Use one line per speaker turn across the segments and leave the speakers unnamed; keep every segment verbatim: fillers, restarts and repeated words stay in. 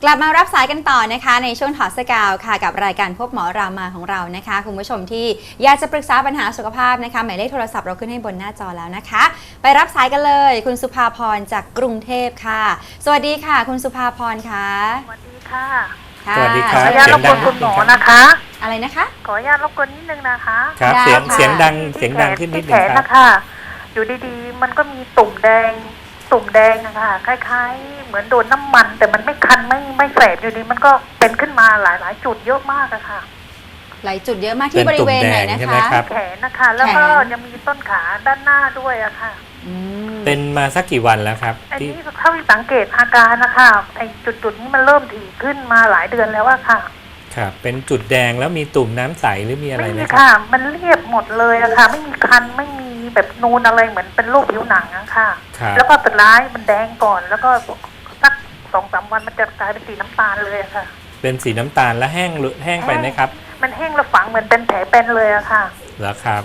กลับมารับสายกันต่อนะคะในช่วงถอดเสื้อกาวค่ะกับรายการพบหมอรามาของเรานะคะคุณผู้ชมที่อยากจะปรึกษาปัญหาสุขภาพนะคะหมายเลขโทรศัพท์เราขึ้นให้บนหน้าจอแล้วนะคะไปรับสายกันเลยคุณสุภาพรจากกรุงเทพค่ะสวัสดีค่ะคุณสุภาพรค่ะ
สวัสดีค่ะ
สวัสดี
ครับขออนุญาตรบกวนคุณหมอนะคะ
อะไรนะคะ
ขออนุญาตรบกวนนิดนึงนะคะ
ครับเสียงเสียงดังเสียงดังขึ้นนิดนึงครับ
นะคะอยู่ดีๆมันก็มีตุ่มแดงตุ่มแดงนะคะคล้ายๆเหมือนโดนน้ำมันแต่มันไม่คันไม่ไม่แสบอยู่ดีมันก็เป็นขึ้นมาหลายๆจุดเยอะมากอะค่ะ
หลายจุดเยอะมากที่บริเวณไหนนะคะ
แขนนะคะแล้วก็ยังมีต้นขาด้านหน้าด้วยอะค่ะ
เป็นมาสักกี่วันแล้วครับ
อันนี้เท่าที่สังเกตอาการนะคะไอ้จุดๆนี้มันเริ่มถี่ขึ้นมาหลายเดือนแล้วอะค่ะ
ครับเป็นจุดแดงแล้วมีตุ่มน้ำใสหรือมีอะไรไหมครับไม่มี
ค่ะมันเรียบหมดเลยอะค่ะไม่มีคันไม่มีแบบนูนอะไรเหมือนเป็นโรคผิวหนังอะค่ะแล้วก็สุดท้ายมันแดงก่อนแล้วก็สักสองสามวันมันจะกลายเป็นสีน้ำตาลเลยอะค่ะ
เป็นสีน้ำตาลแล้วแห้งแห้งไปไหมครับ
มันแห้งแล้วฝังเหมือนเป็นแผลเป็นเลยอะค่ะ
เหรอครับ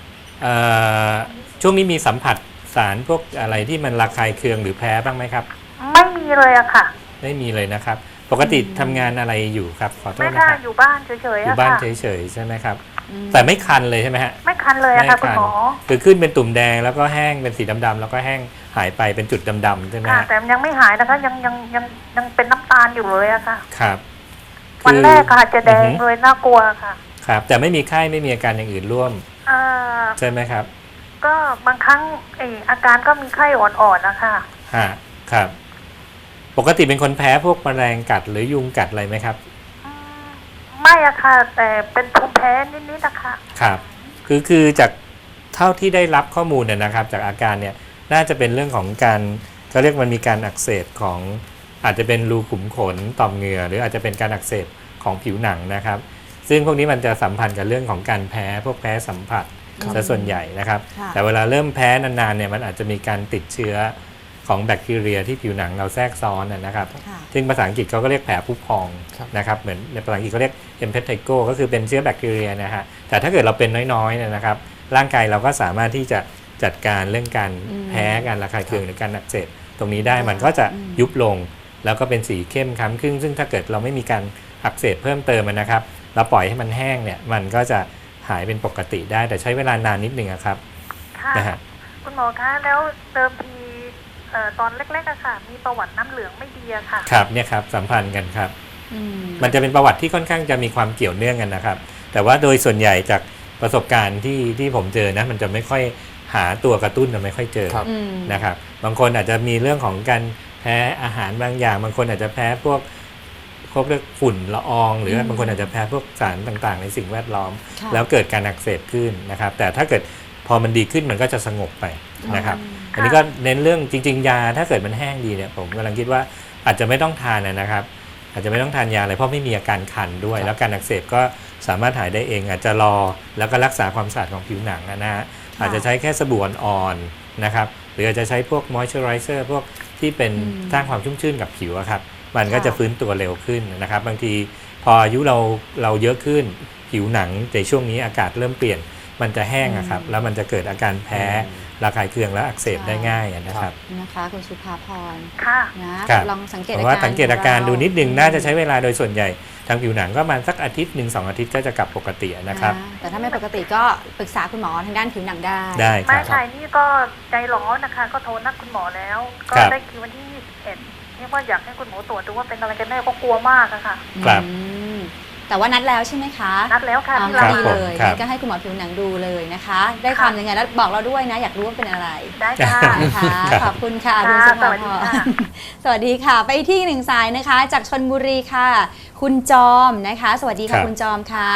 ช่วงนี้มีสัมผัสสารพวกอะไรที่มันระคายเคืองหรือแพ้บ้างไหมครับ
ไม่มีเลยอะค่ะ
ไม่มีเลยนะครับปกติทำงานอะไรอยู่ครับขอโทษ
นะครับอยู่บ้านเฉยๆ
อยู่บ้านเฉยๆใช่ไหมครับแต่ไม่คันเลยใช่ไหมฮะ
ไม่คันเลยอะค่ะคุณหมอ
คือขึ้นเป็นตุ่มแดงแล้วก็แห้งเป็นสีดำๆแล้วก็แห้งหายไปเป็นจุดดำๆใช่ไหม
ค่ะแต่ยังไม่หายนะคะยังยังยังยังเป็นน้ำตาลอยู่เลยอะค่ะ
ครับ
วันแรกค่ะจะแดงเลยน่ากลัวค่ะ
ครับแต่ไม่มีไข้ไม่มีอาการอย่างอื่นร่วมใช่ไหมครับ
ก็บางครั้งไออาการก็มีไข้อ่อนๆนะคะ
ฮะครับปกติเป็นคนแพ้พวกแมลงกัดหรือยุงกัดอะไรไหมครับ
ไม่อะค่ะแต่เป็นภูมิแพ้นิดๆนะคะ
ครับคือคือจากเท่าที่ได้รับข้อมูลเนี่ยนะครับจากอาการเนี่ยน่าจะเป็นเรื่องของการเขาเรียกมันมีการอักเสบของอาจจะเป็นรูขุมขนต่อมเหงื่อหรืออาจจะเป็นการอักเสบของผิวหนังนะครับซึ่งพวกนี้มันจะสัมพันธ์กับเรื่องของการแพ้พวกแพ้สัมผัสซะส่วนใหญ่นะครับแต่เวลาเริ่มแพ้นานๆเนี่ยมันอาจจะมีการติดเชื้อของแบคทีเรียที่ผิวหนังเราแทรกซ้อนนะครับซึ่งภาษาอังกฤษเขาก็เรียกแผลผุพองนะครับเหมือนในภาษาอังกฤษเขาเรียก impetigo ก็คือเป็นเชื้อแบคทีเรียนะฮะแต่ถ้าเกิดเราเป็นน้อยๆเนี่ยนะครับร่างกายเราก็สามารถที่จะจัดการเรื่องการแพ้การระคายเคืองหรือการอักเสบตรงนี้ได้มันก็จะยุบลงแล้วก็เป็นสีเข้มคล้ำขึ้นซึ่งถ้าเกิดเราไม่มีการอักเสบเพิ่มเติมนะครับเราปล่อยให้มันแห้งเนี่ยมันก็จะหายเป็นปกติได้แต่ใช้เวลานานนิดนึงครับ
นะฮะคุณหมอคะแล้วเติมทีตอนเล็กๆอะค่ะมีประวัติน้ำเหลืองไม่ดีอะค่ะ
ครับเนี่ยครับสัมพันธ์กันครับมันจะเป็นประวัติที่ค่อนข้างจะมีความเกี่ยวเนื่องกันนะครับแต่ว่าโดยส่วนใหญ่จากประสบการณ์ที่ที่ผมเจอนะมันจะไม่ค่อยหาตัวกระตุ้นจะไม่ค่อยเจอนะครับบางคนอาจจะมีเรื่องของการแพ้อาหารบางอย่างบางคนอาจจะแพ้พวกพวกเรื่องฝุ่นละอองหรือบางคนอาจจะแพ้พวกสารต่างๆในสิ่งแวดล้อมแล้วเกิดการอักเสบขึ้นนะครับแต่ถ้าเกิดพอมันดีขึ้นมันก็จะสงบไปนะครับอันนี้ก็เน้นเรื่องจริงๆยาถ้าเกิดมันแห้งดีเนี่ยผมกำลังคิดว่าอาจจะไม่ต้องทานนะครับอาจจะไม่ต้องทานยาอะไรเพราะไม่มีอาการคันด้วยแล้วการอักเสบก็สามารถหายได้เองอาจจะรอแล้วก็รักษาความสะอาดของผิวหนังนะฮะอาจจะใช้แค่สบู่อ่อนๆนะครับหรืออาจจะใช้พวกมอยเจอไรเซอร์พวกที่เป็นสร้างความชุ่มชื่นกับผิวครับมันก็จะฟื้นตัวเร็วขึ้นนะครับบางทีพออายุเราเราเยอะขึ้นผิวหนังในช่วงนี้อากาศเริ่มเปลี่ยนมันจะแห้งครับแล้วมันจะเกิดอาการแพ้ระคายเคืองและอักเสบได้ง่ายนะครับ
นะคะคุณสุภาพร
ค่ะ
นะลองสังเกตอา
การว่าสังเกตอาการดูนิดนึงน่าจะใช้เวลาโดยส่วนใหญ่ทางผิวหนังก็ประมาณสักอาทิตย์หนึ่งสองอาทิตย์ก็จะกลับปกตินะครับ
แต่ถ้าไม่ปกติก็ปรึกษาคุณหมอทางด้านผิวหนังได้
ได้
ครับไม่ใช่นี่ก็ใจร้อนนะคะก็โทรนัดคุณหมอแล้วก็ได้คิววันที่ยี่สิบเอ็ดนี่ว่าอยากให้คุณหมอตรวจดูว่าเป็นอะไรกันแน่ก็กลัวมากอะค่ะ
ครับ
แต่ว่านัดแล้วใช่ไหมคะ
นัดแล้วค่ะ
ที่ดีเลยก็ให้คุณหมอผิวหนังดูเลยนะคะได้ความยังไงแล้วบอกเราด้วยนะอยากรู้ว่าเป็นอะไร
ได้ค่ะ
ขอบคุณค่ะคุณสุภาพรสวัสดีค่ะไปที่หนึ่งสายนะคะจากชลบุรีค่ะคุณจอมนะคะสวัสดีค่ะคุณจอมค่ะ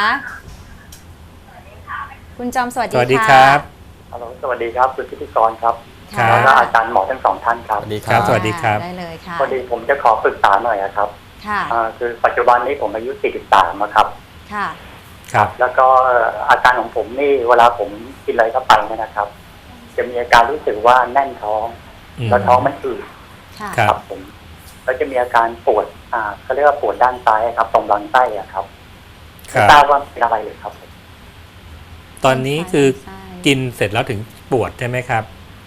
คุณจอมสวัสดีค่ะ
สวัสดีครับ
ฮัลโหลสวัสดีครับคุณพิธีกรครับแล้วก็อาจารย์หมอทั้งสองท่านครับ
สวัสดีครับสวัสดีครับ
ได้เลยค่ะ
พอดีผมจะขอปรึกษาหน่อยครับคือปัจจุบันนี้ผมอายุสี่สิบสามครับ
ค่ะ
ครับ
แล้วก็อาการของผมนี่เวลาผมกินอะไรเข้าไปเนี่ยนะครับจะมีอาการรู้สึกว่าแน่นท้องแล้วท้องมันอืด
ครับ
ผมแล้วจะมีอาการปวดอ่าเขาเรียกว่าปวดด้านซ้ายครับตรงลำไส้ครับไม่ทราบว่าเป็นอะไรเลยครับ
ตอนนี้คือกินเสร็จแล้วถึงปวดใช่ไหมครับ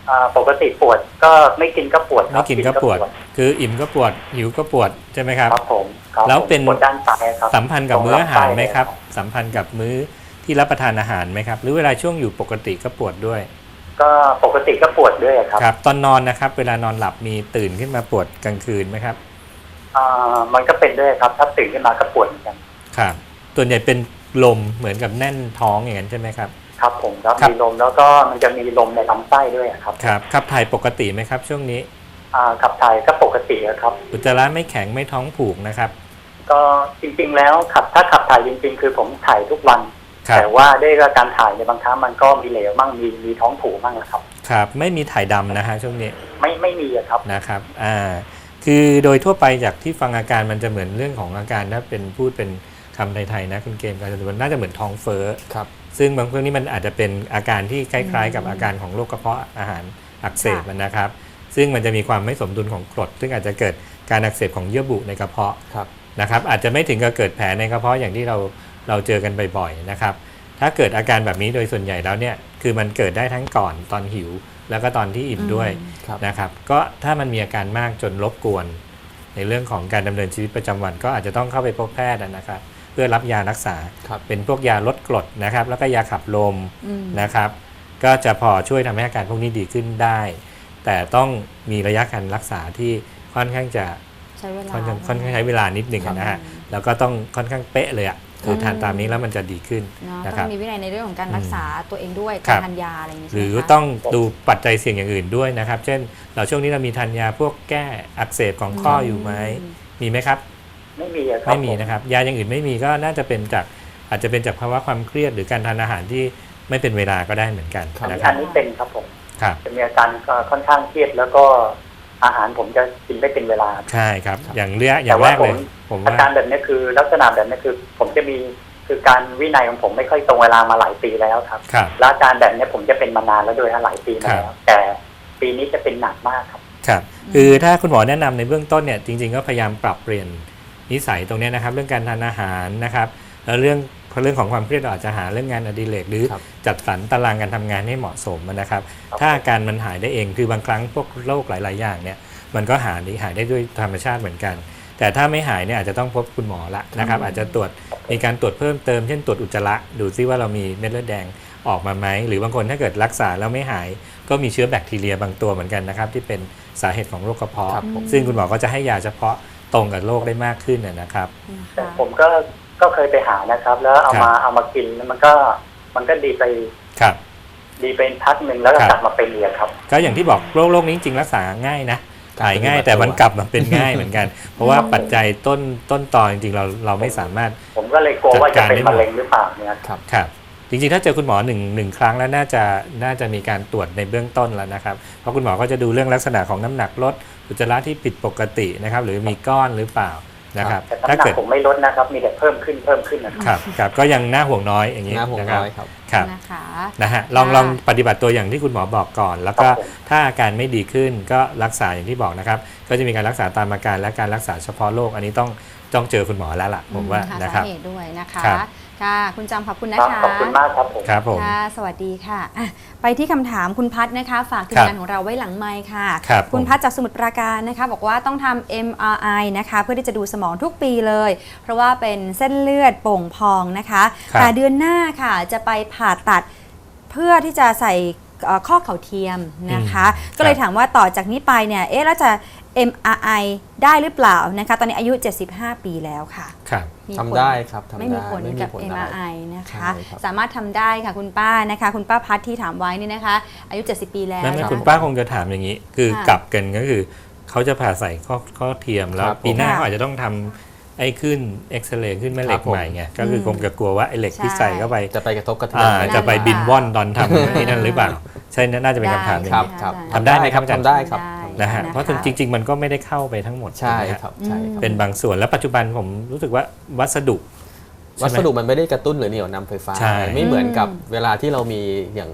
อ่าปกติปวดก็ไม่กินก็ปวดค
ไม่
รับ
กินก็ปวด คืออิ่มก็ปวดหิวก็ปวดใช่ไหมครับ
ครับผมครับ
แล้วเป็น
ปวดด้านซ้ายครับ
สัมพันธ์กับมื้ออาหารไหมครับ
ตงลำไส้
สัมพันธ์กับมื้อที่รับประทานอาหารไหมครับ หรือเวลาช่วงอยู่ปกติก็ปวดด้วย
ก็ปกติก็ปวดด้วยครับ
ครับ ตอนนอนนะครับ เวลานอนหลับมีตื่นขึ้นมาปวดกลางคืนไหมครับ
อ่ามันก็เป็นด้วยครับถ้าตื่นขึ้นมาก็ปวดเหมือนกัน
ครับส่วนใหญ่เป็นลมเหมือนกับแน่นท้องอย่างนั้นใช่ไหมครับ
ครับผมแล้ว
ครับ
มีลมแล้วก็มันจะมีลมในลำไส้ด้วยครับ
ครับขับถ่ายปกติไหมครับ ช่วงนี้
อ่าขับถ่ายก็ปกติครับ
อุจจาระไม่แข็งไม่ท้องผูกนะครับ
ก็จริงๆแล้วขับถ้าขับถ่ายจริงๆ คือผมถ่ายทุกวัน
ครับ
แต่ว่าด้วยการถ่ายในบางครั้งมันก็มีเหลวมั่งมีมีท้องผูกมั่งนะครับ
ครับไม่มีถ่ายดำนะฮะช่วงนี้
ไม่ไม่มีอะครับ
นะครับอ่าคือโดยทั่วไปจากที่ฟังอาการมันจะเหมือนเรื่องของอาการถ้าเป็นพูดเป็นคำไทยๆนะคุณเกมการจะน่าจะเหมือนท้องเฟ้อ
ครับ
ซึ่งบางเรื่องนี้มันอาจจะเป็นอาการที่คล้ายๆ กับอาการของโรคกระเพาะอาหารอักเสบนะครับ ซึ่งมันจะมีความไม่สมดุลของกรด ซึ่งอาจจะเกิดการอักเสบของเยื่อบุในกระเพาะ
ครับ
นะครับอาจจะไม่ถึงกับเกิดแผลในกระเพาะอย่างที่เราเราเจอกันบ่อยๆนะครับถ้าเกิดอาการแบบนี้โดยส่วนใหญ่แล้วเนี่ยคือมันเกิดได้ทั้งก่อนตอนหิว แล้วก็ตอนที่อิ่มด้วย
ครับ
นะครับก็ถ้ามันมีอาการมากจนรบกวน ในเรื่องของการดำเนินชีวิตประจำวันก็อาจจะต้องเข้าไปพบแพทย์นะครับเพื่อรับยารักษา
ครับ
เป็นพวกยาลดกรดนะครับแล้วก็ยาขับลม
อืม
นะครับก็จะพอช่วยทำให้อาการพวกนี้ดีขึ้นได้ แต่ต้องมีระยะการรักษาที่ค่อนข้างจะ
ใช้เวลา
ค่อนข้างค่อนข้างใช้เวลานิดหนึ่ง
ครับ
นะฮะแล้วก็ต้องค่อนข้างเป๊ะเลยอ่ะคือทานตามนี้แล้วมันจะดีขึ้น
เนาะ
นะค
ต้
รั
อบ งมีวินัยในเรื่องของการรักษาตัวเองด้วย
ครั
การ
บ
ทานยาอะไรอย่างนี้
ห
ใช่ไหม
รือ
คะ
ต้องดูปัจจัยเสี่ยงอย่างอื่นด้วยนะครับ เช่น เราช่วงนี้เรามีทานยาพวกแก้อักเสบของข้ออยู่ไหมมีไหมครับ
ไม่มีอะครับ
ไม่มี
ผ
นะครับยาอย่างอื่นไม่มีก็น่าจะเป็นจากอาจจะเป็นจากภาวะความเครียดหรือการทานอาหารที่ไม่เป็นเวลาก็ได้เหมือนกัน
ครับ
นะค
อั
รับ
นนี้เป็นครับผม
ครับ
จะมีอาการก็ค่อนข้างเครียดแล้วก็อาหารผมจะกินไม่เป็นเวลา
ใช่ครับ
ครับ
อย่างเรียอย่า
แต่
งแร
ว่าก ผ
เลย
ม
ผม
อา
ว่า
การแบบนี้คือลักษณะแบบนี้คือ ผมจะมีคือการวินัยของผมไม่ค่อยตรงเวลามาหลายปีแล้วครับ
ครับ
แล้วอาการแบบนี้ผมจะเป็นมานานแล้วโดยหลายปีมาแล้วแต่ปีนี้จะเป็นหนักมากครับ
ครับคือถ้าคุณหมอแนะนำในเบื้องต้นเนี่ยจริงๆก็พยายามปรับเปลี่ยนนิสัยตรงเนี้ยนะครับ เรื่องการทานอาหารนะครับแล้วเรื่องเรื่องของความเครียดเราอาจจะหาเรื่องงานอดิเรกหรือ
ครับ
จัดสรรตารางการทำงานให้เหมาะสมนะครับ ถ้าอาการมันหายได้เองคือบางครั้งพวกโรคหลาย ๆ อย่างเนี่ยมันก็หายหายได้ด้วยธรรมชาติเหมือนกัน แต่ถ้าไม่หายเนี่ยอาจจะต้องพบคุณหมอละนะครับอาจจะตรวจมีการตรวจเพิ่มเติมเช่นตรวจอุจจาระดูซิว่าเรามีเม็ดเลือดแดงออกมาไหมหรือบางคนถ้าเกิดรักษาแล้วไม่หาย ก็มีเชื้อแบคทีเรียบางตัวเหมือนกันนะครับที่เป็นสาเหตุของโรคกระเพาะ
ครับผม
ซึ่งคุณหมอก็จะให้ยาเฉพาะตรงกับโรคได้มากขึ้นนะนะครับ
แต่ผมก็ก็เคยไปหานะครับ แล้วเอามาเอามากินแล้วมันก็มันก็ดีไป
ครับ
ดีเป็นพักหนึ่งแล้วก็
ครับ
กลับมาเป็นอีกครับ
ก็อย่างที่บอกโรคโรคนี้จริงๆรักษาง่ายนะ
ครับ
หายง่ายแต่มันกลับมาเป็นง่ายเหมือนกัน เพราะว่าปัจจัยต้นต้นตอจริงๆเราเราไม่สามารถ
ผมก็เลยกลัวว่าจะเป็นมะเร็งหรือเปล่าเนี่ย
ครับ
ครับจริงๆถ้าเจอคุณหมอหนึ่งหนึ่งครั้งแล้วน่าจะน่าจะมีการตรวจในเบื้องต้นแล้วนะครับเพราะคุณหมอก็จะดูเรื่องลักษณะของน้ำหนักลดอุจจาระที่ผิดปกตินะครับหรือมีก้อนหรือเปล่านะครับ
แต่น้ำ
ถ้า
หนัก
เกิด
ผมไม่ลดนะครับ มีแต่เพิ่มขึ้นเพิ่มขึ้นนะครับ
ครับครับก็ยังน่าห่วงน้อยอย่างนี้
หน้าห่วง
นะครับ
น้อยครับ
ครับ
นะคะ
นะฮะลอง
ค่ะ
ลองปฏิบัติตัวอย่างที่คุณหมอบอกก่อน แล้วก็
ครับผม
ถ้าอาการไม่ดีขึ้นก็รักษาอย่างที่บอกนะครับก็จะมีการรักษาตามอาการและการรักษาเฉพาะโรคอันนี้ต้องต้องเจอคุณหมอแล้วล่ะผมว่า
หา
นะค
สา
รับ
เหตุด้วยนะคะ
ครับ
ค่ะคุณจำขอบคุณ
ค
นะ
รับ
คะ
ขอบคุณมากครับผม
ครับผม
ค่ะสวัสดีค่ะอ่ะ ไปที่คำถามคุณพัฒนะคะ ฝากทีม
ครับ
งานของเราไว้หลังไมค์ค่ะ
ครับ
คุณ
ผม
พัฒจากสมุทรปราการนะคะ บอกว่าต้องทำ เอ็ม อาร์ ไอ นะคะ เพื่อที่จะดูสมองทุกปีเลย เพราะว่าเป็นเส้นเลือดโป่งพองนะคะ
ครับ
แต่เดือนหน้าค่ะจะไปผ่าตัดเพื่อที่จะใส่เอ่อข้อเข่าเทียมนะคะ ก็เลยถามว่าต่อจากนี้ไปเนี่ยเอ๊ะแล้วจะ เอ็ม อาร์ ไอ ได้หรือเปล่านะคะ ตอนนี้อายุ เจ็ดสิบห้า ปีแล้วค่ะ
ครับ
มีผล
ทำได้ครับทำได้
ไม่มีผล
ไม่มี
กับ
ผล
เอ็ม
อะไร
อาร์ ไอ นะคะ
ใช่ครับ
สามารถทำได้ค่ะคุณป้านะคะ คุณป้าพัดที่ถามไว้นี่นะคะ อายุ เจ็ดสิบ ปีแล้ว
นั่นไม่
นะะ
คุณป้าคงจะถามอย่างนี้ คือ
ค่ะ
กลับกันก็คือเขาจะผ่าใส่ข้อข้อเทียมแล้ว
ครับผม
ปีหน้า
ค่ะ
เขาอาจจะต้องทำไอ้ขึ้นเอ็กซเรย์ขึ้นแม่เหล็ก
ครับผม
ใหม่ไงก็คือคงจะกลัวว่าไอ้เหล็กที่
ใช่
ใส่เข้าไป
จะไปกระทบกระเทือ
อ่าน
ไหม
จะไป
นั่นแหละ
บินว่อนตอนทำไอ้นั่นหรือเปล่าใช่น่าจะเป็นคำถามอย่าง
ครับ
นี้
ครับ
ทำได้ไหมครับ
ทำได้ครับ
นะฮะ
ได้
เพราะจริง ๆ มันก็ไม่ได้เข้าไปทั้งหมด
ใช่
ไหมฮะ
ครับใช่ครับ
เป็นบางส่วนแล้วปัจจุบันผมรู้สึกว่าวัสดุ
วัสดุมันไม่ได้กระตุ้นหรือเหนี่ยวนำไฟฟ้า
ใช่
ไม่เหมือนกับ
อืม
เวลาที่เรามีอย่าง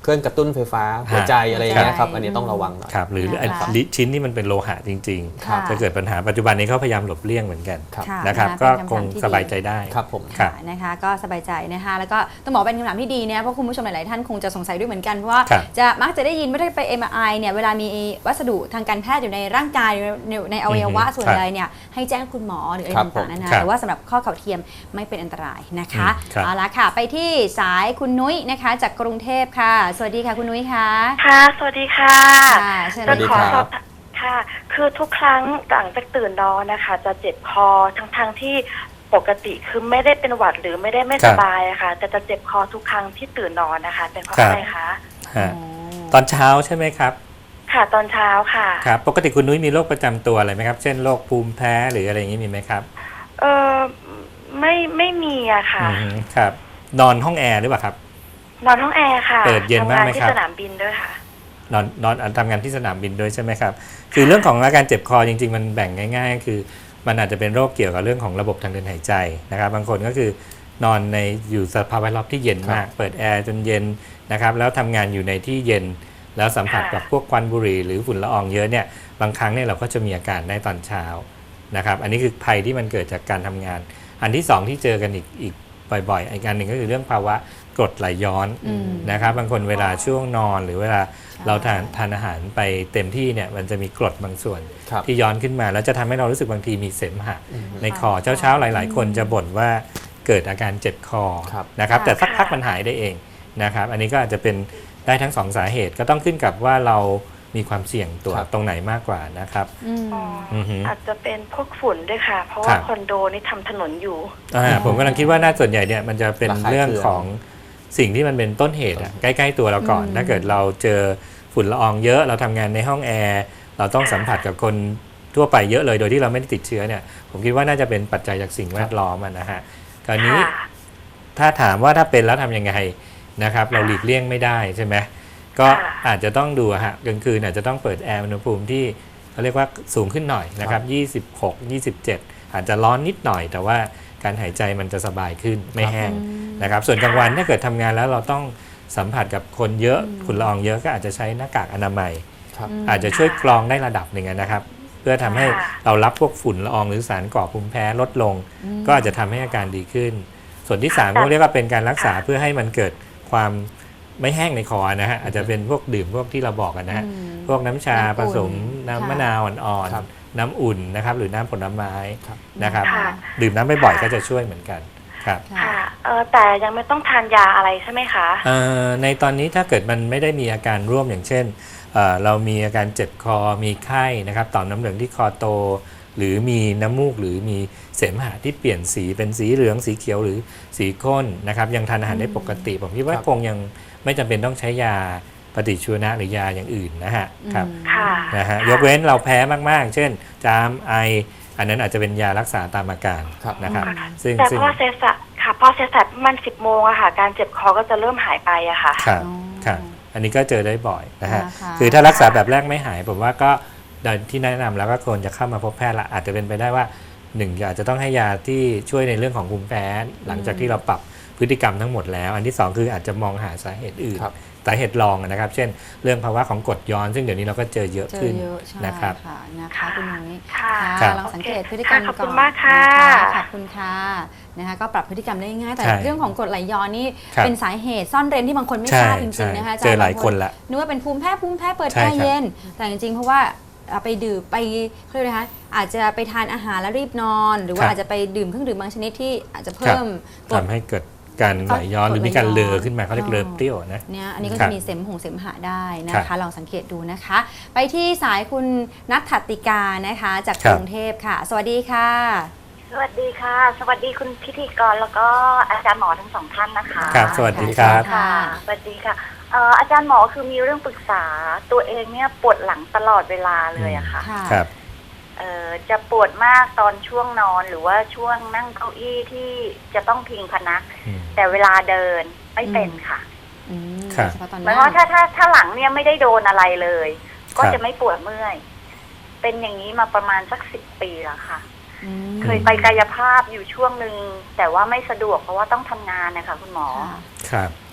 เครื่องกระตุ้นไฟฟ้าหัวใจอะไรอย่างเงี้ยครับอันนี้ต้องระวังหน่อย
ครับหรือไอ้ชิ้นที่มันเป็นโลหะจริง
ค่ะ
ๆจะเกิดปัญหาปัจจุบันนี้เขาพยายามหลบเลี่ยงเหมือนกัน
ครับ
ค่ะ
นะครับ
นะ
ก็
เป็น
คง
คำถามที่
สบาย
ดี
ใจได้
ครับผม
ครับ
ค่ะนะคะก็สบายใจนะคะแล้วก็ต้องบอกเป็นคำถามที่ดีเนี่ยเพราะคุณผู้ชมหลายๆท่านคงจะสงสัยด้วยเหมือนกันเพราะว่า
ครับ
จะมักจะได้ยินว่าถ้าไป เอ็ม อาร์ ไอ เนี่ยเวลามีวัสดุทางการแพทย์อยู่ในร่างกายในในอวัยวะ
อือฮึ
ส่วนใดเนี่ยให้แจ้งคุณหมอหรืออะไร
ครับ
ต่างๆนานา
ครับ
แต่ว่าสำหรับข้อเข่าเทียมไม่เป็นอันตรายนะคะ
อืมครับ
เอาละค่ะไปที่สายคุณนุ้ยนะคะจากกรุงเทพค่ะสวัสดีค่ะคุณนุ้ยค่ะ
ค่ะ สวัสดีค่ะ
ค่ะเชิญ
สวัสดี
ขอ
ครับ
สอบค่ะ คือทุกครั้งหลังจากตื่นนอนนะคะ จะเจ็บคอทั้งๆที่ปกติคือไม่ได้เป็นหวัดหรือไม่ได้ไม่สบายอะค่ะแต่จะเจ็บคอทุกครั้งที่ตื่นนอนนะคะ เป็นเพราะ
ครับ
อะไรคะ
ฮะตอนเช้าใช่ไหมครับ
ค่ะตอนเช้าค่ะ
ครับปกติคุณนุ้ยมีโรคประจำตัวอะไรไหมครับเช่นโรคภูมิแพ้หรืออะไรอย่างนี้มีไหมครับ
เออไม่ไม่มีอะค่ะ
อืมครับนอนห้องแอร์หรือเปล่าครับ
นอนห้องแอร์ค่ะ
เปิดเย็น
ทำ
มาก
งาน
ไหม
ที่
ครับ
สนามบินด้วยค่ะ
นอนนอนทำงานที่สนามบินด้วยใช่ไหมครับคือเรื่องของอาการเจ็บคอจริงๆมันแบ่งง่ายๆ คือมันอาจจะเป็นโรคเกี่ยวกับเรื่องของระบบทางเดินหายใจนะครับบางคนก็คือนอนในอยู่สภาพแวดล้อมที่เย็นมากเปิดแอร์จนเย็นนะครับแล้วทำงานอยู่ในที่เย็นแล้วสัมผัสกับพวกควันบุหรี่หรือฝุ่นละอองเยอะเนี่ยบางครั้งเนี่ยเราก็จะมีอาการได้ตอนเช้านะครับอันนี้คือภัยที่มันเกิดจากการทำงาน อันที่สองที่เจอกันอีกอีกบ่อยๆอีกอันหนึ่งก็คือเรื่องภาวะกรดไหลย้อน
อืม
นะครับบางคนเวลาช่วงนอนหรือเวลา
ใช่
เราทานทานอาหารไปเต็มที่เนี่ยมันจะมีกรดบางส่วน
ครับ
ที่ย้อนขึ้นมาแล้วจะทำให้เรารู้สึกบางทีมีเสมหะ
อืม
ในคอเช้าๆหลาย ๆ คนจะบ่นว่าเกิดอาการเจ็บคอ
ครับ
นะครับ
ค่ะ
แต่สักพักมันหายได้เองนะครับอันนี้ก็อาจจะเป็นได้ทั้งสองสาเหตุก็ต้องขึ้นกับว่าเรามีความเสี่ยงตัว
ครับ
ตรงไหนมากกว่านะครับ
อืม
อ๋อ
อือฮึ
อาจจะเป็นพวกฝุ่นด้วยค่ะ เพราะ
ครั
ว่า
บ
คอนโดนี่ทำถนนอยู่
อ่าผมกำลังคิดว่าน่าส่วนใหญ่เนี่ยมันจะเป็น
ระคาย
เรื่อง
เคือง
ของสิ่งที่มันเป็นต้นเหตุอะใกล้ๆตัวเราก่อน
อืม
ถ้าเกิดเราเจอฝุ่นละอองเยอะเราทำงานในห้องแอร์เราต้องสัมผัสกับคนทั่วไปเยอะเลยโดยที่เราไม่ได้ติดเชื้อเนี่ยผมคิดว่าน่าจะเป็นปัจจัยจากสิ่งแวดล้อมอะนะฮะคราวนี้
ค่ะ
ถ้าถามว่าถ้าเป็นแล้วทำยังไงนะครับเราหลีกเลี่ยงไม่ได้ใช่ไหมก็
ค่ะ
อาจจะต้องดูอะฮะกลางคืนอาจจะต้องเปิดแอร์อุณหภูมิที่เขาเรียกว่าสูงขึ้นหน่อยนะครับยี่สิบหก ยี่สิบเจ็ดอาจจะร้อนนิดหน่อย แต่ว่าการหายใจมันจะสบายขึ้นไม่แห้งนะครับส่วนกลางวันถ้าเกิดทำงานแล้วเราต้องสัมผัสกับคนเยอะฝุ่นละอองเยอะก็อาจจะใช้หน้ากากอนามัย
ครับ
อาจจะช่วยกรองได้ระดับหนึ่งนะครับ เพื่อทำให้
ค่ะ
เรารับพวกฝุ่นละอองหรือสารก่อภูมิแพ้ลดลง ก็อาจจะทำให้อาการดีขึ้น ส่วนที่สามก็เรียกว่าเป็นการรักษาเพื่อให้มันเกิดความไม่แห้งในคอนะฮะอาจจะเป็นพวกดื่มพวกที่เราบอกกันนะฮะ
อืม
พวกน้ำชา
น้ำอุ่น
ผสมน้ำ
ค่ะ
มะนาวอ่อน
ครับ
ๆน้ำอุ่นนะครับหรือน้ำผลไม้
ครับ
นะครับ
ค่ะ
ดื่มน้ำบ่อยๆก็จะช่วยเหมือนกันครับ
ค่ะ
ค่ะเออแต่ยังไม่ต้องทานยาอะไรใช่ไหมคะ
เอ่อในตอนนี้ถ้าเกิดมันไม่ได้มีอาการร่วมอย่างเช่นเอ่อเรามีอาการเจ็บคอมีไข้นะครับต่อมน้ำเหลืองที่คอโต หรือมีน้ำมูกหรือมีเสมหะที่เปลี่ยนสีเป็นสีเหลืองสีเขียวหรือสีข้นนะครับยังทานอาหารได้ปกติ ผมคิดว่า
ครับ
คงยังไม่จำเป็นต้องใช้ยาปฏิชีวนะหรือยาอย่างอื่นนะฮะครับ
ค่ะ
นะฮะยกเว้นเราแพ้มากๆ เช่น จามไอ อันนั้นอาจจะเป็นยารักษาตามอาการ
ครับ
นะครับ
อืม
ซึ่ง
แต่
ซึ่ง
พอเซสะค่ะพอเซสะประมาณสิบโมงอะค่ะ การเจ็บคอก็จะเริ่มหายไปอะค่ะ
ครับ
อ๋อ
ครับอันนี้ก็เจอได้บ่อยนะฮะ
นะคะ
คือถ้ารักษาแบบแรกไม่หายผมว่าก็ที่แนะนำแล้วก็ควรจะเข้ามาพบแพทย์ละอาจจะเป็นไปได้ว่าหนึ่งอาจจะต้องให้ยาที่ช่วยในเรื่องของภูมิแพ้หลังจากที่เราปรับพฤติกรรมทั้งหมดแล้วอันที่สองคืออาจจะมองหาสาเหตุอื่น
ครับ
สาเหตุรองนะครับ เช่น เรื่องภาวะของกรดย้อน ซึ่งเดี๋ยวนี้เราก็เจอเยอะ
เจอ
ขึ้น
เยอะใช่
นะครับ
ค่ะนะคะคุณนุ้ย
ค่ะ
ครับ
ลองสังเกตพฤติกรรม
ค่ะขอบ
ก่
คุ
อน
ณมากค่ะ
นขอบคุณค่ะนะคะก็ปรับพฤติกรรมได้ง่ายแต่
ใช่
เรื่องของกรดไหลย้อนนี่
ครับ
เป็นสาเหตุซ่อนเร้นที่บางคนไม่
ใช่
ทราบจริ
ใช่
งๆนะคะ
เจอหลายคนละ
นึกว่าเป็นภูมิแพ้ภูมิแพ้เปิด
ใช่
แอ
ครับ
ร์เย็น แต่จริงๆเพราะว่าเอาไปดื่มไปเขาเรียกอะไรคะอาจจะไปทานอาหารแล้วรีบนอน หรือว่าอาจจะไปดื่มเครื่องดื่มบางชนิดที่อาจจะเพิ่มกรด
ทำให้เกิดการไหลย้อน
กรด
หรือมีการ
ไหลย้อน
เลอขึ้นมาเขาเรียกเลอเปรี้ยวนะ
เนี่ยอันนี้ก็
ครั
จะ
บ
มีเสมหงเสมหะได้นะ
ครั
คะ
บ
ลองสังเกตดูนะคะ ไปที่สายคุณนัทถติกานะคะจาก
ครั
ก
บ
รุงเทพค่ะ สวัสดีค่ะ
สวัสดีค่ะ สวัสดีคุณพิธีกรแล้วก็อาจารย์หมอทั้งสองท่านนะคะ
ครับสวัสดีครับ
ค่ะสวัสดีค่ะเอ่ออาจารย์หมอคือมีเรื่องปรึกษาตัวเองเนี่ยปวดหลังตลอดเวลาเลยอะค่ะ
ค่ะ
ครับ
เอ่อจะปวดมากตอนช่วงนอนหรือว่าช่วงนั่งเก้าอี้ที่จะต้องพิงพนัก
อืม
แต่เวลาเดินไม่เป็นค่ะ
อืม
ครับ
โดยเฉพาะตอน
ห
นั้
มายความว่าถ้าถ้าถ้าหลังเนี่ยไม่ได้โดนอะไรเลย ก็
ครับ
จะไม่ปวดเมื่อย เป็นอย่างนี้มาประมาณสักสิบปีแล้วค่ะ
อืม
เคยไปกายภาพอยู่ช่วงหนึ่งแต่ว่าไม่สะดวกเพราะว่าต้องทำงานนะคะคุณหมอ
ค่ะ
ครับ
ครับ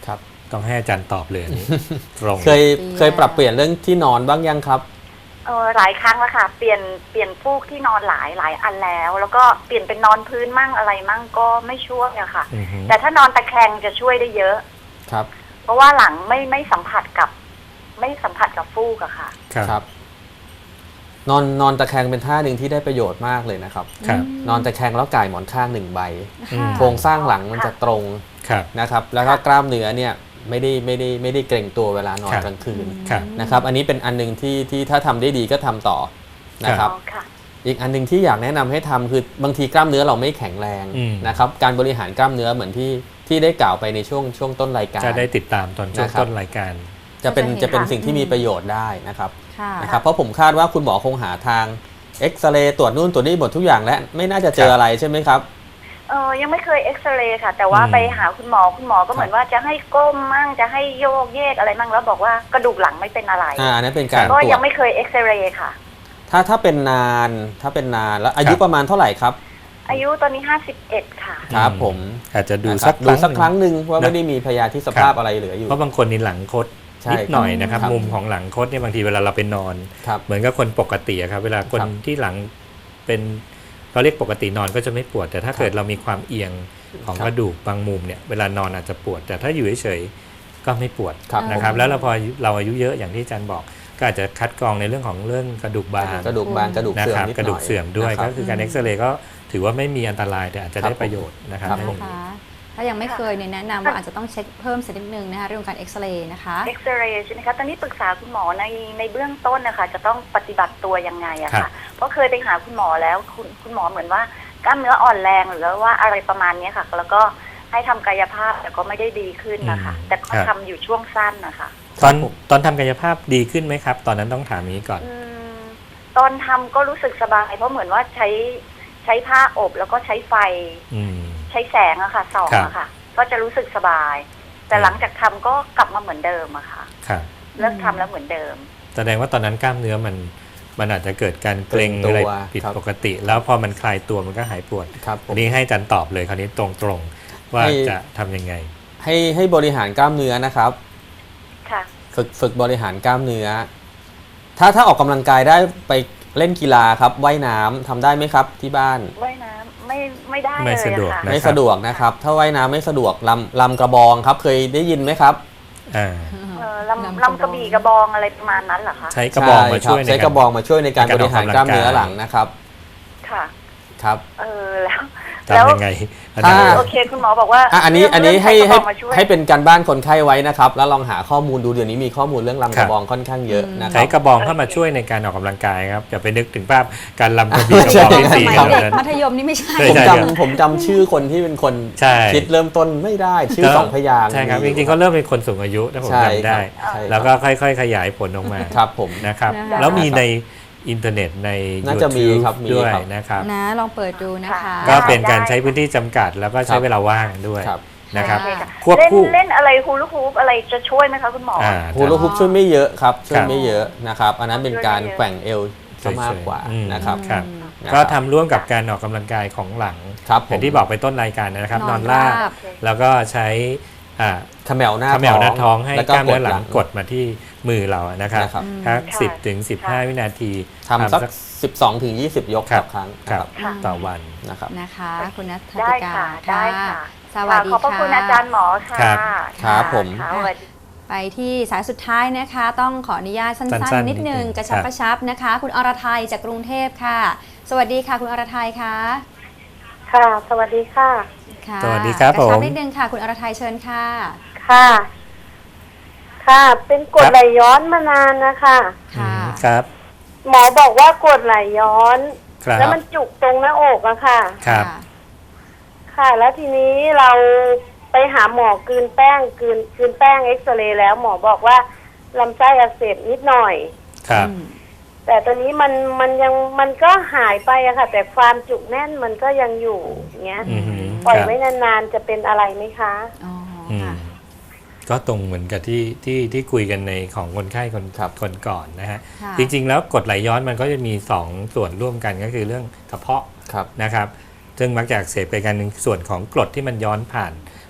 ต้องให้อาจารย์ตอบเลยอันนี้ ตรง
เคยเคยปรับเปลี่ยนเรื่องที่นอนบ้างยังครับ
เออหลายครั้งแล้วค่ะ เปลี่ยนเปลี่ยนฟูกที่นอนหลายหลายอันแล้ว แล้วก็เปลี่ยนเป็นนอนพื้นมั่งอะไรมั่งก็ไม่ช่วยอะค่ะ
อือฮึ
แต่ถ้านอนตะแคงจะช่วยได้เยอะ
ครับ
เพราะว่าหลังไม่ไม่สัมผัสกับ ไม่สัมผัสกับฟูกอะค่ะ
ครับ
ครับ นอนนอนตะแคงเป็นท่าหนึ่งที่ได้ประโยชน์มากเลยนะครับ
ครับ
นอนตะแคงแล้วก่ายหมอนข้างหนึ่งใบ
อืม
โครงสร้างหลังมันจะตรง
ครับ
นะครับ แล้วก็กล้ามเนื้อเนี่ยไม่ได้ไม่ได้ไม่ได้เกร็งตัวเวลานอน
ครับ
กลางคืน
ครับ
นะครับ อันนี้เป็นอันหนึงที่ที่ถ้าทำได้ดีก็ทำต่อนะครับ
อ๋อค่ะ
อีกอันหนึงที่อยากแนะนำให้ทำคือบางทีกล้ามเนื้อเราไม่แข็งแรง
อืม
นะครับ การบริหารกล้ามเนื้อเหมือนที่ที่ได้กล่าวไปในช่วงช่วงต้นรายการ
จะได้ติดตามตอนช่วง
นะครับ
ต้นรายการ
จะเป็น
จะเห็น
จะเป็น
ค่ะ
สิ่งที่มีประโยชน์ได้นะครับ
ค่ะ
นะครับ เพราะผมคาดว่าคุณหมอคงหาทางเอ็กซเรย์ตรวจนู่นตรวจนี่หมดทุกอย่างและไม่น่าจะเจออะไรใช่ไหมครับ
เออยังไม่เคยเอ็กซเรย์ค่ะ แต่ว่า
อืม
ไปหาคุณหมอคุณหมอก็เหมือนว่าจะให้ก้มมั่งจะให้โยกเยกอะไรมั่งแล้วบอกว่ากระดูกหลังไม่เป็นอะไร
อ่าอันนั้นเป็นการต
ก็
รว
ยั
จ
งไม่เคยเอ็กซเรย์ค่ะ
ถ้าถ้าเป็นนานถ้าเป็นนานแล้วอายุ
ครับ
ประมาณเท่าไหร่ครับ
อายุตอนนี้ห้าสิบเอ็ดค่ะ
ครับผม
อาจจะดู
นะค
สั
รั
ก
บดูสักครั้ง
หนึ่
หนึ่งว่า
นะ
ไม่ได้มีพยาธิสภาพอะไรเหลืออยู่
เพราะบางคนนี่หลังคด
ใช่
นิดหน่อยนะครับ
ครับ
มุมของหลังคดเนี่ยบางทีเวลาเราไปนอน
ครับ
เหมือนกับคนปกติอะครับ เวลาคน
ครับ
ที่หลังเป็นเราเรียกปกตินอนก็จะไม่ปวด แต่ถ้า
ครับ
เกิดเรามีความเอียงของ
ครับ
กระดูกบางมุมเนี่ยเวลานอนอาจจะปวด แต่ถ้าอยู่เฉยๆก็ไม่ปวด
ครับ
นะครับ แล้วเราพอเราอายุเยอะอย่างที่อาจารย์บอก ก็อาจจะคัดกรองในเรื่องของเรื่องกระดูกบาง
กระดูกบางกระดูก
นะ
เสื่อ
ค
ม
รับ
นิดหน่อย
กระดูกเสื่อมด้วย
นะครั
ก็
บ
คือการเอ็กซเรย์ก็ถือว่าไม่มีอันตรายแต่อาจจะ
ครับ
ได้ประโยชน์นะครับ
ครับ
ตรง
นะ
นี้
คะถ้ายังไม่เคยเนี่ยแนะนำว่าอาจจะต้องเช็คเพิ่มสักนิดนึงนะคะเรื่องของการเอ็กซเรย์นะคะ
เอ็กซเรย์ใช่ไหมคะ ตอนนี้ปรึกษาคุณหมอในในเบื้องต้นนะคะจะต้องปฏิบัติตัวยังไงอะ
ครั
ค่ะ
บ
เพราะเคยไปหาคุณหมอแล้วคุณคุณหมอเหมือนว่ากล้ามเนื้ออ่อนแรงหรือว่าอะไรประมาณเนี้ยค่ะ แล้วก็ให้ทำกายภาพแต่ก็ไม่ได้ดีขึ้นนะคะ แต่ก็ทำอยู่ช่วงสั้นนะคะ
ตอนตอนทำกายภาพดีขึ้นไหมครับ ตอนนั้นต้องถามอย่างนี้ก่อน
อืมตอนทำก็รู้สึกสบายเพราะเหมือนว่าใช้ใช้ผ้าอบแล้วก็ใช้ไฟ
อืม
ใช้แสงอะค่ะส่อง
ครับ
อะค่ะ ก็จะรู้สึกสบาย แต่หลังจากทำก็กลับมาเหมือนเดิมอะค่ะ
ครับ
เลิกทำแล้วเหมือนเดิม
แสดงว่าตอนนั้นกล้ามเนื้อมันมันอาจจะเกิดการเกร็ง
เกร็งตัว
อะไรผิด
ครับ
ปกติ แล้วพอมันคลายตัวมันก็หายปวด
ครับผ
อั
ม
นนี้ให้อาจารย์ตอบเลยคราวนี้ตรงๆว่า
ให้
จะทำยังไง
ให้ให้บริหารกล้ามเนื้อนะครับ
ค่ะ
ฝึกฝึกบริหารกล้ามเนื้อ ถ้าถ้าออกกำลังกายได้ไปเล่นกีฬาครับว่ายน้ำทำได้ไหมครับที่บ้าน
ว่ายน้ำไม่ไม่ได้
ไม่
เลย
สะดวก
อะค่ะ
นะ
ไม่สะดวกนะครับ ถ้าว่ายน้ำไม่สะดวกลำลำกระบองครับ เคยได้ยินไหมครับ
อ่า
เออลำลำกระบี่กระบองอะไรประมาณนั้นเหรอคะ
ใช้กระบองมา
ใค
ช่วย
บ
ใน
ใช้ก
การ
ระบองมาช่วยในการ
ในการ
บริหารกล้ามเนื้อหลังนะครับ
ค่ะ
ครับ
เออแล้วแล้ว
ทำยังไงอา
ถ้า
จารย์
โอเคคุณหมอบอกว่า
อ่ะอันนี้
เรื่ง
อันนี้ให้
เรื่
ให้
งกระบองมาช่วย
ให้เป็นการบ้านคนไข้ไว้นะครับ แล้วลองหาข้อมูลดูเดี๋ยวนี้มีข้อมูลเรื่องลำกระบองค่อนข้างเยอะนะค
ใช้
รับ
กระบองเข้ามาช่วยในการออกกำลังกายครับอย่าไปนึกถึงภาพการลำกระบี่กระ
ใช่
บองที่
ส
สี่
มัย
เท่า
เด็ก
นั้น
มัธยมนี่ไม่ใช่
ใช่
ผม
ใช่
จำผมจำชื่อคนที่เป็นคน
ใช่
คิดเริ่มต้นไม่ได้ชื่อสองพยางค์
ใช่ครับ
มี
จ
อยู่
ริงๆก็เริ่มเป็นคนสูงอายุถ้าผม
ใช่
จำได้
ครับใช่
แล้วก็ค่อยๆ ขยายผลออกมา
ครับผม
นะครับ
นะคะ
แล้วมีในอินเทอร์เน็ตใน
น่าจะมี
YouTube
ครับมี
ด้วย
ครับ
นะครับ
นะลองเปิดดูนะคะ
ก็เป็นการใช้พื้นที่จำกัด แล้วก็ใช้
ครับ
เวลาว่างด้วย
ครับ
นะครับ
โอเคค่ะ
ควบ
เล่น
คู่
เล่นอะไรฮูลูฮูปอะไรจะช่วยไหมคะคุณหมออ
อ่า
ฮูลาฮูปช่วยไม่เยอะครับช่ว
ค
ย
รับ
ไม่เยอะนะครับ อันนั้นเป็นการแกว่งเอวซะมากกว่า
อืม
นะครับ
ครับ
นะครับ
ก็ทำร่วมกับการออกกำลังกายของหลัง
ครับผ
อย่าม งที่บอกไปต้นรายการนะครับ น
น
อ
อน น
ราบ
ราบ
แล้วก็ใช้อ่า
เขมวหน้า
เขมวหน้าท้องให้
แล้ว
กล้ามเนื้อหลัง
ก
ก
ด
ดมาที่มือเรานะครับ
นะครับ
ทัก
ค่ะ
สิบถึงสิบห้า
ค่ะ
วินาที
ทำสัก สิบสองถึงยี่สิบ ยก
ครั
ต่
บ
อครั้ง
ค
นะ
รับ
ค่ะ
ต่อวัน
นะครับ
นะคะ คุณนัท
ได้
ติกา
ค่ะได้ค่ะ
สวัสดี
ขอบพระ
ค่ะ
คุณอาจารย์หมอค่ะ
ครับ
ครับผม
ค่ะสวัสดี
ไปที่สายสุดท้ายนะคะ ต้องขออนุญาตสั้
สั้
น
นๆ
ๆ นิดนึง
นิดนึง
กระชับ
ครับ
กระชับนะคะ คุณอรทัยจากกรุงเทพค่ะ สวัสดีค่ะคุณอรทัยค่ะ
ค่ะ สวัสดีค่ะ
ค่ะ
สวัสดีครับ
กระชับ
ผม
นิดนึงค่ะ คุณอรทัยเชิญค่ะ
ค่ะ ค่ะ เป็นกรดไหลย้อนมานานนะคะ
ค่ะ
อืมครับ
หมอบอกว่ากรดไหลย้อน
ครับ
แล้วมันจุกตรงหน้าอกอะค่ะ
ครับ
ค่ะ แล้วทีนี้เราไปหาหมอกลืนแป้งกลืนกลืนแป้งเอ็กซเรย์แล้วหมอบอกว่าลำไส้อักเสบนิดหน่อย
ครับ
แต่ตอนนี้มันมันยังมันก็หายไปอะค่ะ แต่ความจุกแน่นมันก็ยังอยู่อย่างเงี้ย
อือหือ
ปล่อย
ครับ
ไว้นานๆจะเป็นอะไรไหมคะ
อ๋อ
อืม
ค่ะ
ก็ตรงเหมือนกับที่ที่ที่คุยกันในของคนไข้คน
ครับ
คนก่อนนะฮะ
ค่ะ
จริงๆ แล้วกรดไหลย้อนมันก็จะมีสองส่วนร่วมกันก็คือเรื่องกระเพาะ
ครับ
นะครับ ซึ่งมักจะอักเสบไปกันหนึ่งส่วนของกรดที่มันย้อนผ่าน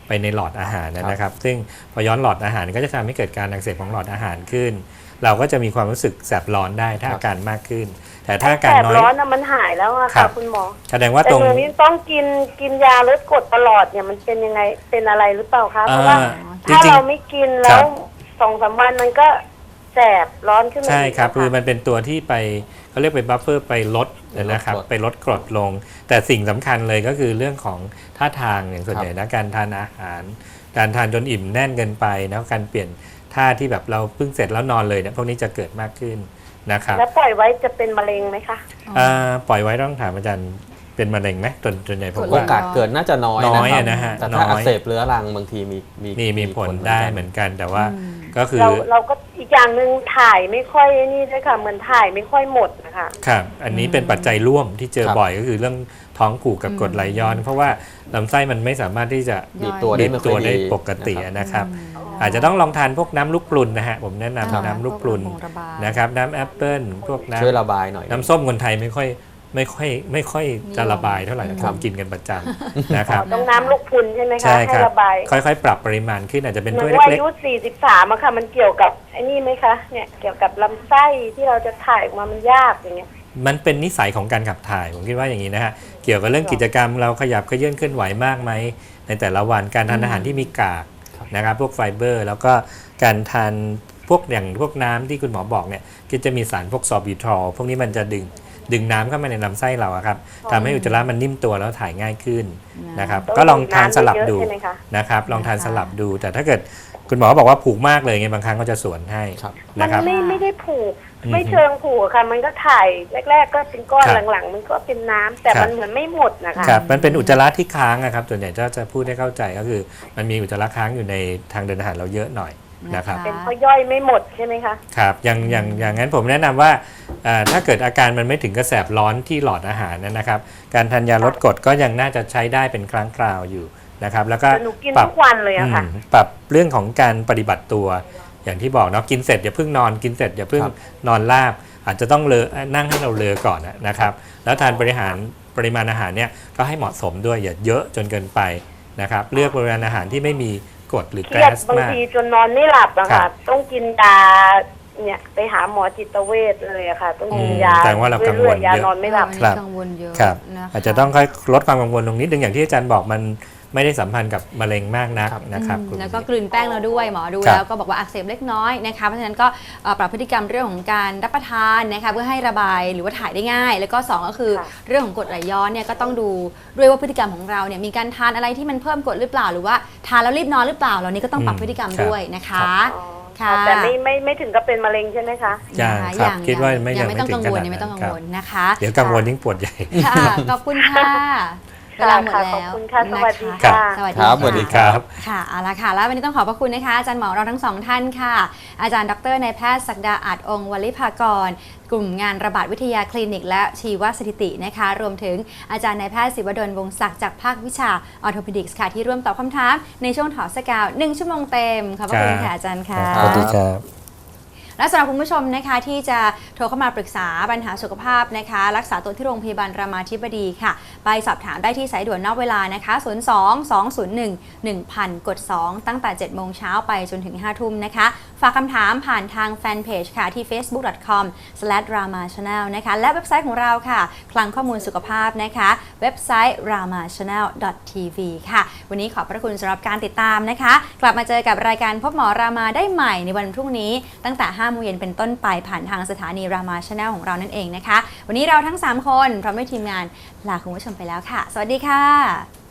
ไปในหลอดอาหารนะครับซึ่งพอย้อนหลอดอาหารก็จะทำให้เกิดการอักเสบของหลอดอาหารขึ้น เราก็จะมีความรู้สึกแสบร้อนได้ถ้าอาการมากขึ้น แต่ถ้าอาการน้อย
แสบร้อนนะมันหายแล้วอะ
ครั
ค่ะ
บ
คุณหมอ
แสดงว่า
แต่
ตรง
เมื่อนี้ต้องกินกินยาลดกรดตลอดเนี่ยมันเป็นยังไงเป็นอะไรหรือเปล่าคะเพราะว่า
อ่า
ถ้า
จริงๆ
เราไม่กิน
ค
แล้
รั
ว
บ
สองสามวันมันก็แสบร้อนขึ้นมา
ใช่ครับ
กะ
คือมันเป็นตัวที่ไปเขาเรียกไปบัฟเฟอร์ไปลดนะครับ
ลดกรด
ไปลดกรดลง แต่สิ่งสำคัญเลยก็คือเรื่องของท่าทางอย่างส่วนใหญ่นะการทานอาหาร การทานจนอิ่มแน่นเกินไปนะการเปลี่ยนท่าที่แบบเราเพิ่งเสร็จแล้วนอนเลยเนี่ยพวกนี้จะเกิดมากขึ้นนะครับ
แล้วปล่อยไว้จะเป็นมะเร็งไหมคะ
อ่าปล่อยไว้ต้องถามอาจารย์เป็นมะเร็งไหมส่วนส่วนใหญ่ผม
กด
โอ
ว่า
กาสเกิดน่าจะน้อย
น้อย
นะครับ
อะนะฮะ
แต่
น้
ถ้า
อย
อักเสบเรื้อรังบางทีมีมี
มีมีผลได้เหมือนกันแต่ว่า
อืม
ก็คือ
เราเราก็อีกอย่างหนึ่งถ่ายไม่ค่อยนี่ด้วยค่ะเหมือนถ่ายไม่ค่อยหมดนะคะ
ครับอันนี้เป็นปัจจัยร่วมที่เจอ
ครับ
บ่อยก็คือเรื่องท้องผูกกับกรดไหลย้อน เพราะว่าลำไส้มันไม่สามารถที่จะ
บีบตัว
บี
ได้
บ
ไม่ค่
ตั
อ
วย ได้
ดี
ปกติ
นะครับ
นะครับ อาจจะต้องลองทานพวกน้ำลูกปรุนนะฮะผมแนะนำ
ครับ
น้ำลูกปรุน
พวกระบาย
นะครับน้ำแอปเปิ้ลพวกน้
ช่วยระบายหน่อย
ำน้ำส้มคนไทยไม่ค่อยไม่ค่อยไม่ค่อยจะระบายเท่าไหร่
อืม
ความกินกันประจำนะครับ
ต้องน้ำลูกพรุนใช่ไหมคะ
ใช่ค
ให้
รับ
ระบาย
ค่อยๆ ปรับปริมาณขึ้นอาจจะเป็น
เหมื
ถ้
อ
วย
นว่า
เล็
อาก ยุสี่สิบสามอะค่ะมันเกี่ยวกับไอ้นี่ไหมคะเนี่ยเกี่ยวกับลำไส้ที่เราจะถ่ายออกมามันยากอย่างเงี้ย
ๆมันเป็นนิสัยของการขับถ่ายผมคิดว่าอย่างนี้นะฮะเกี่ยวกับเรื่องกิจกรรมเราขยับเขยื้อนเคลื่อนไหวมากไหมในแต่ละวันการทานอาหารที่มีกากนะครับพวกไฟเบอร์ แล้วก็การทานพวกอย่างพวกน้ำที่คุณหมอบอกเนี่ยก็จะมีสารพวกซอร์บิทรอลพวกนี้มันจะดึงดึงน้ำเข้ามาในลำไส้เราอะครับทำให้อุจจาระมันนิ่มตัวแล้วถ่ายง่ายขึ้นนะครับ
ต้อง
ก็ลองทานสลับ
ดื่มน้ำเยอะๆ
ดู
ใช่ไหมคะ
นะครับลองทานสลับดู แต่ถ้าเกิดคุณหมอบอกว่าผูกมากเลยไงบางครั้งก็จะสวนให้
ครับ
มั
นะครับ
ไม่ไม่ได้ผูก
อืม
ไม่เชิงผูกค่ะ มันก็ถ่ายแรก ๆ ก็เป็นก้อน
ครับ
หลังๆ มันก็เป็นน้ำแต่
ครับ
มันเหมือนไม่หมดนะคะ
ครับมันเป็นอุจจาระที่ค้างอะครับส่วนใหญ่จะจะพูดให้เข้าใจก็คือ มันมีอุจจาระค้างอยู่ในทางเดินอาหารเราเยอะหน่อยนะครับ
เป็นเพราะย่อยไม่หมดใช่ไหมคะ
ครับอย่างอย่างอย่างนั้นผมแนะนำว่าอ่าถ้าเกิดอาการมันไม่ถึงกระแสบร้อนที่หลอดอาหารนะครับ การทานยาลดกรดก็ยังน่าจะใช้ได้เป็นครั้งคราวอยู่นะครับแล้วก็
แต่หนูกิน
ปรับ
ทุกวันเลยอะค่ะ
อืมปรับเรื่องของการปฏิบัติตัวอย่างที่บอกเนาะกินเสร็จอย่าเพิ่งนอนกินเสร็จอย่าเพิ่ง
ครับ
นอนราบ อาจจะต้องเลอนั่งให้เราเลอก่อนนะครับ แล้วทานบริหารปริมาณอาหารเนี่ยก็ให้เหมาะสมด้วยอย่าเยอะจนเกินไปนะครับเลือกปริมาณอาหารที่ไม่มีกรดหรือ
เค
แก๊
รียด
ส
บาง
มาก
ทีจนนอนไม่หลับอะ
ครั
ค่ะ
บ
ต้องกินยาเนี่ยไปหาหมอจิตเวชเลยอะค่ะ ต้องกิน
อืม
ยา
แสดงว่าเรากังวล
รื่อยๆยา
เยอะ
นอนไม่หลับ
วัน
ครั
นี้
บ
กังวลเยอะ
ครับ
นะคะ
อาจจะต้องค่อยลดความกังวลตรงนี้ดึงอย่างที่อาจารย์บอกมันไม่ได้สัมพันธ์กับมะเร็งมากนัก
ครับ
นะครับ
อืม
คุณ
แล้วก็กลืนแป้งเราด้วยหมอดู
ครับ
แล้วก็บอกว่าอักเสบเล็กน้อยนะคะเพราะฉะนั้นก็เอ่อปรับพฤติกรรมเรื่องของการรับประทานนะคะเพื่อให้ระบายหรือว่าถ่ายได้ง่าย แล้วก็สองก็คือ
ค่ะ
เรื่องของกรดไหลย้อนเนี่ยก็ต้องดูด้วยว่าพฤติกรรมของเราเนี่ยมีการทานอะไรที่มันเพิ่มกรดหรือเปล่า หรือว่าทานแล้วรีบนอนหรือเปล่าเหล่านี้ก็ต้องปรับพฤติกรรมด้วยนะคะ
อ๋อ
ค่ะ
แต่ไม่ไม่ไม่ถึงกับเป็นมะเร็งใช่ไหมคะ
ยัง
นะะ
ครับ
ยัง
คิดว่าไม่
ยังไม่ต้อง
ยัง
กัง
ไม่
วล
ถึง
ยังไม่ต้อง
ข
กั
นาดนั้น
งวลนะคะ
เดี๋ยวกังวลยิ่งปวดใหญ่
ค่ะขอบคุณค่ะเวลาหมด
ค่ะ
แล้ว
ขอบคุณค่ะสวัสดี
น
ค่ะ
สวัสดี
ครับสวัสดี
ค่ะ
ครับ
ค่ะเอาละค่ะ แล้ววันนี้ต้องขอบพระคุณนะคะ อาจารย์หมอเราทั้งสองท่านค่ะ อาจารย์ดรนายแพทย์ศักดาอาจองค์วลิภากร กลุ่มงานระบาดวิทยาคลินิก และชีวสถิตินะคะ รวมถึงอาจารย์นายแพทย์ศิวดลวงศ์ศักดิ์จากภาควิชาออร์โทพดิกส์ค่ะ ที่ร่วมตอบคำถามในช่วงถอดสกาวหนึ่งชั่วโมงเต็มขอบพระคุณค่ะอาจารย์ค่ะ
สวัสดีครับ
และสำหรับคุณผู้ชมนะคะที่จะโทรเข้ามาปรึกษาปัญหาสุขภาพนะคะรักษาตัวที่โรงพยาบาลรามาธิบดีค่ะไปสอบถามได้ที่สายด่วนนอกเวลานะคะศูนย์ สอง สอง ศูนย์ หนึ่ง หนึ่ง ศูนย์ ศูนย์ กด สอง ตั้งแต่ เจ็ดโมงเช้าไปจนถึง ห้าทุ่มนะคะฝากคำถามผ่านทางแฟนเพจค่ะที่ เฟซบุ๊ก ดอท คอม สแลช รามา ชาแนล นะคะและเว็บไซต์ของเราค่ะคลังข้อมูลสุขภาพนะคะเว็บไซต์ รามาชาแนล ดอท ที วี ค่ะวันนี้ขอบพระคุณสำหรับการติดตามนะคะกลับมาเจอกับรายการพบหมอรามาได้ใหม่ในวันพรุ่งนี้ตั้งแต่ ห้าโมงเย็นเป็นต้นไปผ่านทางสถานีรามาชาแนลของเรานั่นเองนะคะวันนี้เราทั้งสามคนพร้อมด้วยทีมงานลาคุณผู้ชมไปแล้วค่ะสวัสดีค่ะ